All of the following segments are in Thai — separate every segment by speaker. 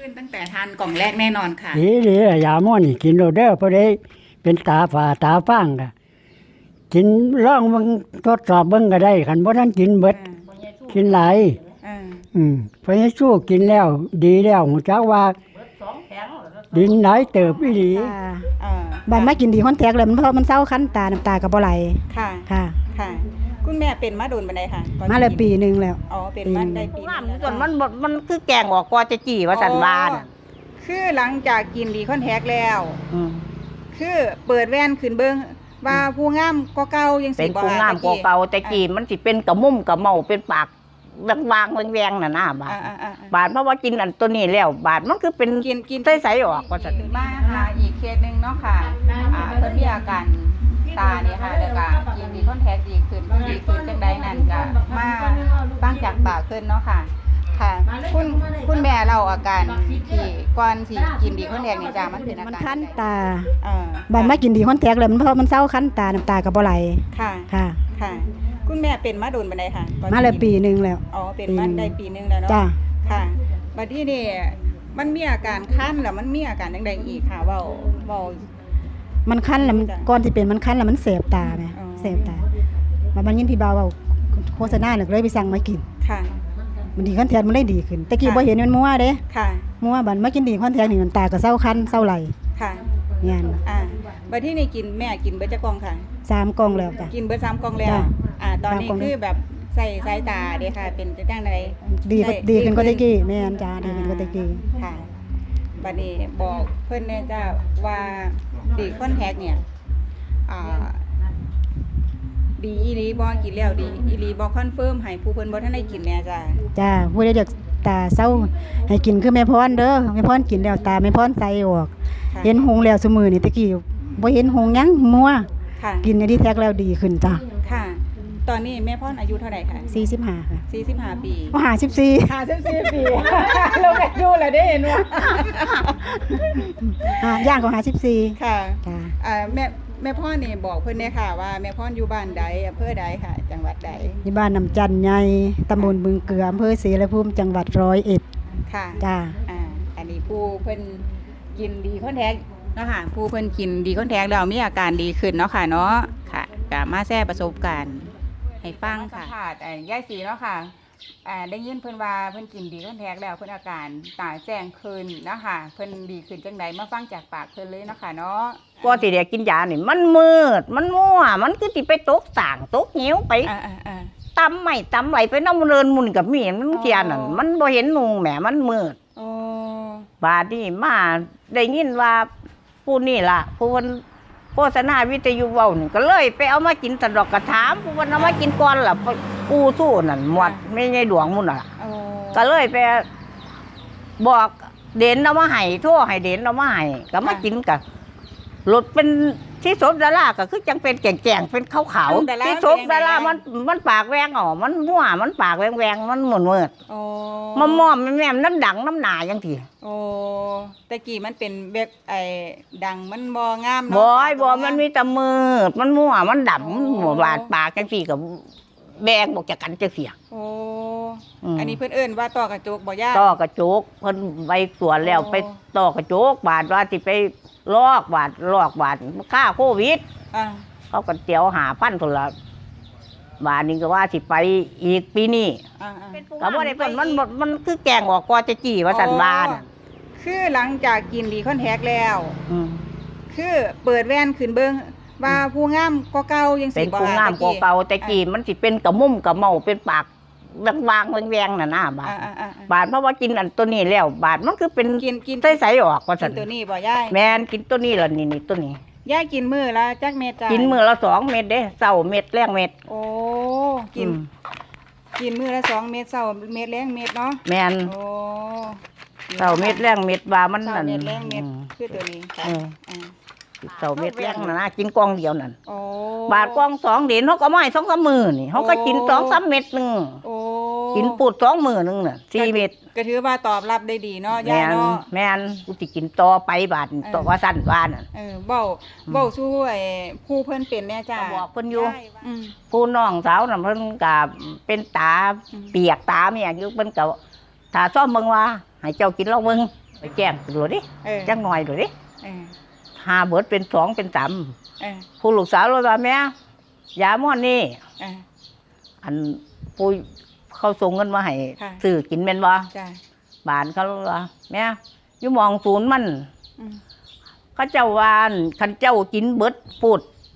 Speaker 1: ขึ้นตั้งแต่ทานกล่องแรกแน่นอนค่ะ
Speaker 2: ดียาหม้อนี่กินโลดเด้อพอได้เป็นตาฝ่าตาฟางก็กินล่องมึงทดสอบเบิ่งก็ได้คันบ่ทันกินเบิดกินหลายเพราะฉะนั้นสู้กินแล้วดีแล้วหูจักว่าดินไหนเติบอีหลี
Speaker 3: บัดมากินดีคอนแทคแล้วมันเพราะมันเศร้าคันตาน้ำตาก็บ่ไหล
Speaker 1: ค่ะ
Speaker 3: ค่ะ
Speaker 1: คุณแม่เป็นมาโดนปานใดค่ะ
Speaker 3: มาแล้วปีนึงแล้ว
Speaker 1: อ๋อเป็นมาได้ปีนึง
Speaker 4: ส่วนมันคือแกงออกกว่าจะจี้ว่าสันว่าน่ะ
Speaker 1: คือหลังจากกินดีคอนแทคแล้วคือเปิดแว่นขึ้นเบิ่งว่าผู้งามก็เก่ายังสิ
Speaker 4: เป็นผู้งามกว่าเก่าแต่จี้มันสิเป็นกระมุ่มกระเมาเป็นปากวางแวงน่ะนะบาดเพราะว่ากินอันตัวนี้แล้วบาดมันคือเป็น
Speaker 1: กิน
Speaker 4: ใสๆออกว่าซั่น
Speaker 1: มาหาอีกเคสนึงเนาะค่ะเพิ่นมีอาการตาเนี่ยค่ะแล้วก็ยินดีคอนแทคดีขึ้นจังใดนั่นก็มาตั้งจากปากขึ้นเนาะค่ะคุณแม่เล่าอาการที่ก่อนสิกินดีคอนแทคนี่จ้ามันเป็นอาการ
Speaker 3: มันคันตาบัดมากินดีคอนแทคแล้วมันเพราะมันเศร้าคันตาน้ำตาก็บ่ไหล
Speaker 1: ค่ะคุณแม่เป็นมาโดนปานใดค่ะ
Speaker 3: มาแล้วปีนึงแล้ว
Speaker 1: อ๋อเป็นมาได้ปีนึงแล้วเนาะ
Speaker 3: จ้า
Speaker 1: ค่ะบัดนี้นี่มันมีอาการคันแล้วมันมีอาการจังใดอีกค่ะเว้า
Speaker 3: มันคันแล้วก่อนสิเป็นมันคันแล้วมันเสพตาแม่เสพตามันยินพี่บ่าวเว้าโฆษณาน่ะเลยไปสั่งมากิน
Speaker 1: ค่ะ
Speaker 3: มันดีคอนแทคมันเลยดีขึ้นแต่กี้บ่เห็นมันมั่วเด้
Speaker 1: ค่ะ
Speaker 3: มั่วบัดมากินดีคอนแทคนี่มันตาก็เศร้าคันเศร้าไหล
Speaker 1: ค่ะ
Speaker 3: งาน
Speaker 1: บัดที่นี่กินแม่กินเบิดจักกล่องค่ะ
Speaker 3: 3กล่องแล้วจ้ะ
Speaker 1: กินเบิด3กล่องแล้วตอนนี้คือแบบใส่สายตาเด้ค่ะเป็นจังได๋
Speaker 3: ดีขึ้นกว่าแต่กี้แม่นจ้าดีขึ้นกว่าแต่กี้
Speaker 1: ค่ะบัดนี้บอกเพิ่นแน่จ้าว่าดีคอนแทคเนี่ยดีอีหลีบ่กินแล้วดีอีหลีบ่คอนเฟิร์มให้ผู้เพิ่นบ่ทันได้กินแน่
Speaker 3: จ้าผู้ใดอยากตาเศร้าให้กินคือแม่พรเด้อแม่พรกินแล้วตาแม่พรใสออกเห็นหงแล้วซุมื้อนี่ตะกี้บ่เห็นหงหยังมัวกินดีแท็กแล้วดีขึ้นจ้า
Speaker 1: ค่ะตอนนี้แม่พรอายุเท่าไหร่คะ
Speaker 3: 45ค่ะ
Speaker 1: 45ปี
Speaker 3: 54
Speaker 1: 54ปีเราแม่ดูแล้วได้เห็น
Speaker 3: ว่าย่างของ54
Speaker 1: ค่ะจ้าแม่พ่อนี่บอกเพิ่นเนี่ยค่ะว่าแม่พ่ออยู่บ้านใดอำเภอใดค่ะจังหวัดใด
Speaker 3: อยู่บ้านน้ำจันใหญ่ตำบลบึงเกลืออำเภอศรีละภูมิจังหวัด101
Speaker 1: ค่ะ
Speaker 3: จ้า
Speaker 1: อันนี้ผู้เพิ่นกินดีคอนแทคเนาะค่ะผู้เพิ่นกินดีคอนแทคแล้วมีอาการดีขึ้นเนาะค่ะเนาะค่ะก็มาแชร์ประสบการณ์ให้ฟังค่ะยายศรีเนาะค่ะได้ยินเพิ่นว่าเพิ่นกินดีคอนแทคแล้วเพิ่นอาการตาแจ้งขึ้นเนาะค่ะเพิ่นดีขึ้นจังไดมาฟังจากปากเพิ่นเลยเนาะค่ะเนาะ
Speaker 4: ก่อนสิได้กินยานี่มันมืดมันมั่วมันคือสิไปตกต่างตกเหวไปตำไม่ตำไหลไปน้ำเรินมุนกับมีมันเทียนนั่นมันบ่เห็นนุงแหมมันมืดบาดนี้มาได้ยินว่าผู้นี่ล่ะผู้เพิ่นโฆษณาวิทยุเว้านี่ก็เลยไปเอามากินสะดอกกระถามผู้เพิ่นเอามากินก่อนล่ะปูสู้นั่นหมดไม่ใช่ดวงมุ่นน่ะก็เลยไปบอกเด่นเอามาให้โทรให้เด่นเอามาให้ก็มากินกันรถเป็นที่สมดาราก็คือจังเป็นแก่งๆเป็นขาวๆที่สมดารามันปากแวงอ๋อมันมั่วมันปากแวงมันหมุนเมิดมันม่อมแม่มน้ำดังน้ำหนาจังที
Speaker 1: ตะกี้มันเป็นแบบดังมันบ่งาม
Speaker 4: เนาะบ่มันมีแต่มืดมันมั่วมันดำหมดบาดปากจังทีกับแบงบอกจากกันจะเสีย
Speaker 1: อันนี้เพิ่นเอิ้นว่าต่อกระจกบ่ย่า
Speaker 4: ต่อกระจกเพิ่นไปสวนแล้วไปต่อกระจกบาดว่าสิไปลอกบาดค่าโควิดเขาก็เจียว5,000พุ่นละบาดนี้ก็ว่าสิไปอีกปีนี้ก็บ่ได้เพิ่นมันคือแกงออกกว่าจะจี้ว่าสันว่าน่ะ
Speaker 1: คือหลังจากกินดีคอนแทคแล้วคือเปิดแว่นขึ้นเบิ่งว่าผู้งามก็เก่ายังสิ
Speaker 4: เป็นผู้งามก็เก่าแต่กี้มันสิเป็นกระมุ่มกระเมาเป็นปากวางแวงน่ะนะบาดเพราะว่ากินอันตัวนี้แล้วบาดมันคือเป็นใสๆออกว่าซั่น
Speaker 1: ตัวนี้บ่ยาย
Speaker 4: แม่นกินตัวนี้ล่ะนี่ตัวนี้
Speaker 1: ยายกินมื้อละจักเม็ดจ้ะ
Speaker 4: กินมื้อละ2เม็ดเด้เช้าเม็ดแลงเม็ด
Speaker 1: โอ้กินมื้อละ2เม็ดเช้าเม็ดแลงเม็ดเนาะ
Speaker 4: แม่น
Speaker 1: โอ้
Speaker 4: เช้าเม็ดแลงเม็ดว่ามันนั่น
Speaker 1: เม็ดแลงเม็ดคือตัวนี้
Speaker 4: เช้าเม็ดแลงน่ะนะกินกล่องเดียวนั่นบาทกล่อง2เดือนเฮาก็มาให้ 2-3 มื้อนี่เฮาก็กิน 2-3 เม็ดนึงกินปูด2 มื้อนึงน่ะ4เม็ด
Speaker 1: ก็ถือว่าตอบรับได้ดีเนาะยายเนาะ
Speaker 4: แม่นกูสิกินต่อไปบาดต่อว่าซั่นว่านั่น
Speaker 1: เว้าสู้ผู้เพิ่นเป็นแน่จ้า
Speaker 4: บอกเพิ่นอยู่ผู้น้องสาวน่ะเพิ่นก็เป็นตาเปียกตาแม่อยู่เพิ่นก็ถ้าซ่อมเบิ่งว่าให้เจ้ากินเหล้าเบิ่งไปแจ้งตำรวจดิ จังหน่อยดูดิ
Speaker 1: เออ
Speaker 4: หาเบิดเป็น2เป็น3
Speaker 1: เออ
Speaker 4: ผู้ลูกสาวเลยว่าแม่ยาม่อนนี่
Speaker 1: เออ
Speaker 4: อันผู้เขาส่งเงินมาให้
Speaker 1: ค่ะ
Speaker 4: ซื้อกินแม่นบ่
Speaker 1: จ้ะ
Speaker 4: บ้านเขาเลยว่าแม่อยู่หมองศูนย์มัน
Speaker 1: อืม
Speaker 4: เขาเจ้าว่าคันเจ้ากินเบิดพูด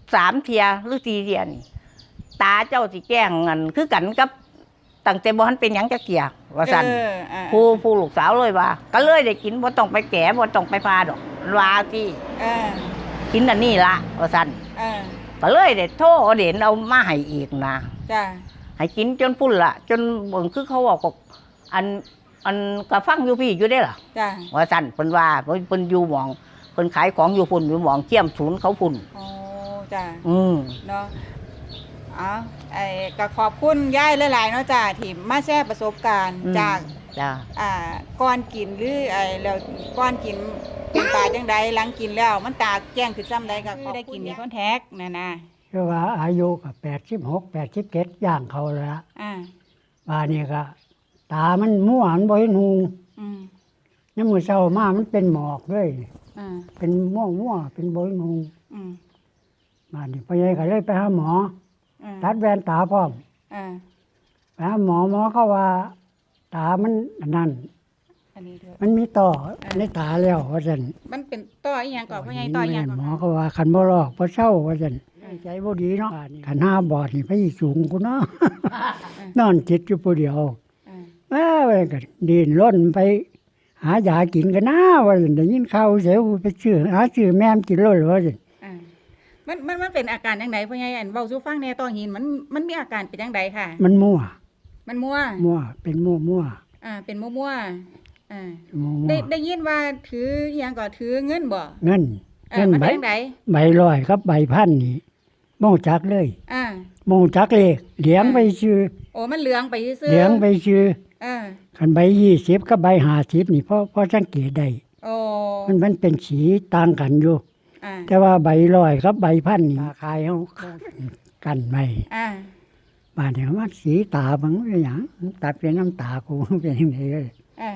Speaker 4: 3 เที่ยหรือ4 เที่ยนี่ตาเจ้าสิแจ้งอันคือกันกับตั้งแต่บ่ทันเป็นหยังจักเที่ยว่าซั่น
Speaker 1: เออเออ
Speaker 4: ผู้ลูกสาวเลยว่า ก็เลยได้กินบ่ต้องไปแก่บ่ต้องไปพาดอกว่าที่
Speaker 1: เออ
Speaker 4: กินอันนี้ละว่าซั่น
Speaker 1: เออ
Speaker 4: ก็เลยได้โทรเอาเด่นเอามาให้อีกนะ
Speaker 1: จ้ะ
Speaker 4: ให้กินจนพุ่นละจนเบิ่งคือเขาบอกว่าอันก็ฟังอยู่พี่อยู่ได้ล่ะ
Speaker 1: จ้ะ
Speaker 4: ว่าซั่นเพิ่นว่าเพิ่นอยู่หม่องเพิ่นขายของอยู่พุ่นอยู่หม่องเจียมศูนย์เขาพุ่น
Speaker 1: โอ้จ้ะ เนาะเอาก็ขอบคุณยายหลายๆเนาะจ้ะที่มาแชร์ประสบการณ์
Speaker 4: อืม
Speaker 1: จาก
Speaker 4: จ้า
Speaker 1: ก่อนกินหรือแล้วก่อนกินเป็นตาจังใดหลังกินแล้วมันตาแจ้งคือซ้ำใดก็ได้กินมีคอนแทคนั่นนะ
Speaker 2: คือว่าอายุก็86 87ย่างเขาแล้วละ
Speaker 1: อ่า
Speaker 2: ว่านี่ก็ตามันมั่วมันบ่เห็นหู
Speaker 1: อืม
Speaker 2: ยามมื้อเช้ามามันเป็นหมอกเลย
Speaker 1: อ่า
Speaker 2: เป็นมั่วเป็นบ่เห็นหู
Speaker 1: อืม
Speaker 2: มานี่พ่อใหญ่ก็เลยไปหาหมอ
Speaker 1: อ่า
Speaker 2: ตัดแว่นตาพร้อม
Speaker 1: อ่า
Speaker 2: ไปหาหมอเขาว่า ตามันอันนั้น
Speaker 1: อันนี้ด้วย
Speaker 2: มันมีต่อในตาแล้วว่าซั่น
Speaker 1: มันเป็นต่ออีหยังก่อนพ่อใหญ่ต่ออีหยังก่อน
Speaker 2: หมอเขาว่าคันบ่ลอกบ่เศร้าว่าซั่นใจบ่ดีเนาะคันหาบอดนี่ไปสูงกูเนาะ นอนจิตอยู่ผู้เดียว
Speaker 1: อ่า
Speaker 2: ว่าก็ดินร่นไป หายากินกันนะว่าซั่นได้ยินข่าวเสียวไปซื้อแม่มกินโลดว่าซั่น
Speaker 1: อ่ามันเป็นอาการจังไดพ่อใหญ่อันเว้าสู่ฟังแหน่ต่อหินมันมีอาการเป็นจังไดค่ะ
Speaker 2: มันมั่ว
Speaker 1: มันมั่ว
Speaker 2: เป็นมั่ว
Speaker 1: เป็นมั่วอ่า
Speaker 2: มั่ว
Speaker 1: ได้ยินว่าถืออหยังก็ถือเงินบ่
Speaker 2: เงิน
Speaker 1: มัน
Speaker 2: ใบ
Speaker 1: เป็นจังได
Speaker 2: ใบร้อยครับใบพันนี่บ่รู้จักเลย
Speaker 1: อ่า
Speaker 2: บ่รู้จักเลขเหลียงไปชื่อ
Speaker 1: โอ้มันเหลืองไปซื่อๆ
Speaker 2: เหลียงไปชื่อ
Speaker 1: อ่า
Speaker 2: คันใบ20กับใบ50นี่พอสังเกตได้
Speaker 1: โอ้
Speaker 2: มันเป็นสีต่างกันอยู่
Speaker 1: อ่า
Speaker 2: แต่ว่าใบร้อยกับใบพันนี่ขายเฮากันไว้
Speaker 1: อ่า
Speaker 2: บาดนี้ว่าสีตาบังเป็นหยังตาเป็นน้ำตากู เป็นจังไดเลย
Speaker 1: อ่าน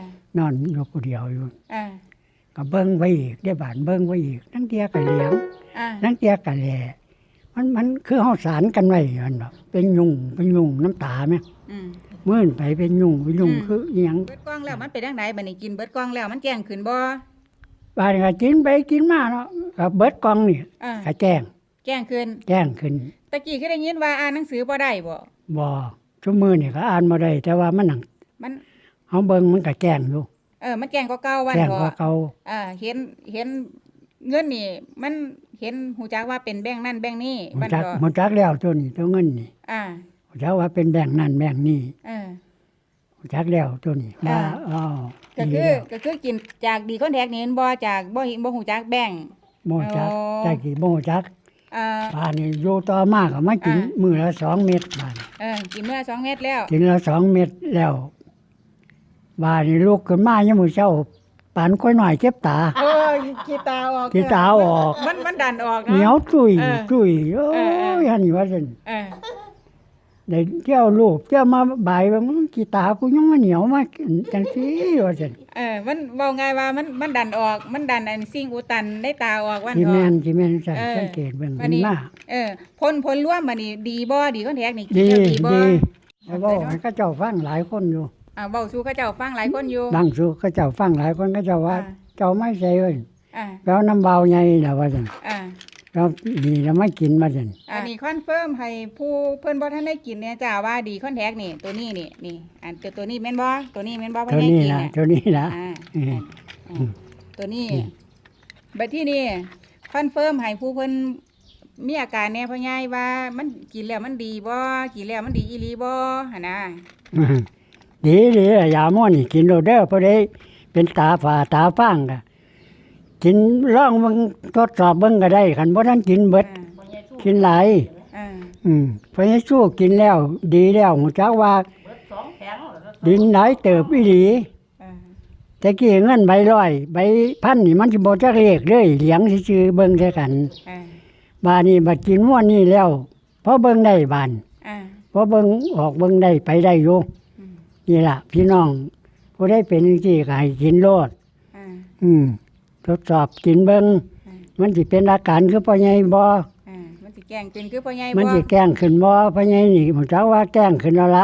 Speaker 2: อนอยู่ผู้เดียวอยู่
Speaker 1: อ่า
Speaker 2: ก็เบิ่งไว้อีกได้บานเบิ่งไว้อีกทั้งเตียก็เหลียง
Speaker 1: อ่า
Speaker 2: ทั้งเตียก็แหล่มันคือเฮาสารกันไว้นั่นดอกเป็นยุงน้ำตาแม่
Speaker 1: อืม
Speaker 2: มื้นไปเป็นยุงคืออีหยัง
Speaker 1: เบิดกล้องแล้วมันเป็นจังไดบัดนี้กินเบิดกล้องแล้วมันแจ้งขึ้นบ่
Speaker 2: บาดนี้ก็กินไปกินมาเนาะก็เบิดกล่องนี่
Speaker 1: อ่า
Speaker 2: ก็แจ้ง
Speaker 1: แจ้งขึ้น
Speaker 2: ขึ้น
Speaker 1: ตะกี้คือได้ยินว่าอ่านหนังสือบ่ได้บ่
Speaker 2: บ่ชั่วมือนี่ก็อ่านบ่ได้แต่ว่ามันหนัง
Speaker 1: มัน
Speaker 2: เฮาเบิ่งมันก็แจ้งอยู่
Speaker 1: มันแจ้งกว่าเก่าวัน
Speaker 2: แจ้ง
Speaker 1: เถ
Speaker 2: กว่า
Speaker 1: อะ
Speaker 2: เก่า
Speaker 1: เห็นเงินนี่ มันเห็นหูจักว่าเป็นแบงค์นั่นแบงค์นี้
Speaker 2: หม
Speaker 1: บั
Speaker 2: ด
Speaker 1: ด
Speaker 2: จัก
Speaker 1: ก็
Speaker 2: หมดจักแล้วตัวนี้ตัวเงินนี่
Speaker 1: อ่า
Speaker 2: หมดจักว่าเป็นแบ่งค์นั่นแบ่งค์นี่
Speaker 1: เออ
Speaker 2: หมดจักแล้วตัวนี้ว่าอ๋อ
Speaker 1: ก็
Speaker 2: ดี
Speaker 1: คือ
Speaker 2: แล้ว
Speaker 1: ก็คือกินจากดีคอนแทคนี่เห็นบ่จากบ่หูจักแบงค์
Speaker 2: หมดจัก
Speaker 1: อ๋อ
Speaker 2: จักกี่บ่หมดจัก
Speaker 1: อ่า
Speaker 2: บ้านนี่อยู่ต่อมาก็มากินมื้อละ2เม็ดบ้าน
Speaker 1: กินเมื่อ2 เม็ดแล้ว
Speaker 2: กินละ2เม็ดแล้วบ้านนี่ลุกขึ้นมายามมื้อเช้าปานก้อยน้อยเจ็บตา
Speaker 1: โอ้ยขี้ตาออก
Speaker 2: ขี้ตาออก
Speaker 1: มันดันออก
Speaker 2: เหนียวจุย
Speaker 1: เออ
Speaker 2: จุยโอ้
Speaker 1: เออเออ
Speaker 2: ยอันนี้ว่าซั่น
Speaker 1: เออ
Speaker 2: ได้เที่ยวรูปเที่ยวมาบ่ายว่ามึงขี้ตากูยังมาเหนียวมาจังซี่ว่าซั่น
Speaker 1: มันเว้าไงายว่ามันดันออก มันดันอันสิ่งอุดตันได้ตาออกวัน
Speaker 2: สิ
Speaker 1: เถ
Speaker 2: แม่น
Speaker 1: อะ
Speaker 2: สิแม่นซั่น
Speaker 1: เออ
Speaker 2: สังเกตเบิ่ง
Speaker 1: วั
Speaker 2: มัน น
Speaker 1: นี้
Speaker 2: มา
Speaker 1: ผลรวมบัดนี้ดีบ่ดีคอนแทคนี่กิน
Speaker 2: ดี
Speaker 1: แล้วดีบ่
Speaker 2: ดีแล้วเว้าให้เขาเจ้าฟังหลายคนอยู่
Speaker 1: เว้าสู่เขาเจ้าฟังหลายคนอยู่
Speaker 2: ดังสู่เขาเจ้าฟังหลายคนเขาเจ้าว่า
Speaker 1: อ่า
Speaker 2: เจ้าไม่ใช่เว้ย
Speaker 1: อ่า
Speaker 2: แล้วน้ำเบาใหญ่ล่ะว่าซั่น
Speaker 1: อ่า
Speaker 2: แล้วนี่แล้วไม่กินว่าซั่น
Speaker 1: อันนี้คอนเฟิร์มให้ผู้เพิ่นบ่ทันได้กินเนี่ยจ้าว่าดีคอนแทคนี่ตัวนี้นี่อันตัวนี้แม่นบ่ตัวนี้แม่นบ่พ่อ
Speaker 2: เท่า
Speaker 1: ใหญ่
Speaker 2: นี้
Speaker 1: กิน
Speaker 2: ล่ะ
Speaker 1: เนี่ย
Speaker 2: เท่านี้ล่ะ
Speaker 1: อ่า
Speaker 2: อืม
Speaker 1: ตัวนี้บัดที่นี่คอนเฟิร์มให้ผู้เพิ่นมีอาการแน่พ่อใหญ่ว่ามันกินแล้วมันดีบ่กินแล้วมันดีอีหลีบ่หั่นน่ะ
Speaker 2: ดียาหม้อนี่กินโลดเด้อพอได้เป็นตาฝาตาฟางก็กินลองเบิ่งทดสอบเบิ่งก็ได้คันบ่ทันกินเบิดกินหลาย
Speaker 1: อ่า
Speaker 2: เพราะให้สู้กินแล้ว ดีแล้วหูจักว่าดินหลายเติบอีหลี
Speaker 1: อ่า
Speaker 2: แต่กี้เงินใบร้อยใบพันนี่มันสิบ่จักเลขเลยเหลียงซื่อๆเบิ่งใส่กัน
Speaker 1: อ่า
Speaker 2: บาดนี้บัดกินม่วนนี่แล้วพอเบิ่งได้บาน
Speaker 1: อ่า
Speaker 2: พอเบิ่งออกเบิ่งได้ไปได้อยู่
Speaker 1: อืม
Speaker 2: นี่ล่ะพี่น้องผู้ใดเป็นจังซี่ก็ให้กินโลด
Speaker 1: อ่า
Speaker 2: ทดสอบกินเบิ่ง
Speaker 1: อ่า
Speaker 2: มันสิเป็นอาการคือพ่อใหญ่บ่
Speaker 1: มันสิแกล้งเป็นคือพ่อใหญ่
Speaker 2: มัน
Speaker 1: บ่
Speaker 2: สิแกล้งขึ้นบ่พ่อใหญ่นี่ผมเจ้าว่าแกล้งขึ้นแล้วล่ะ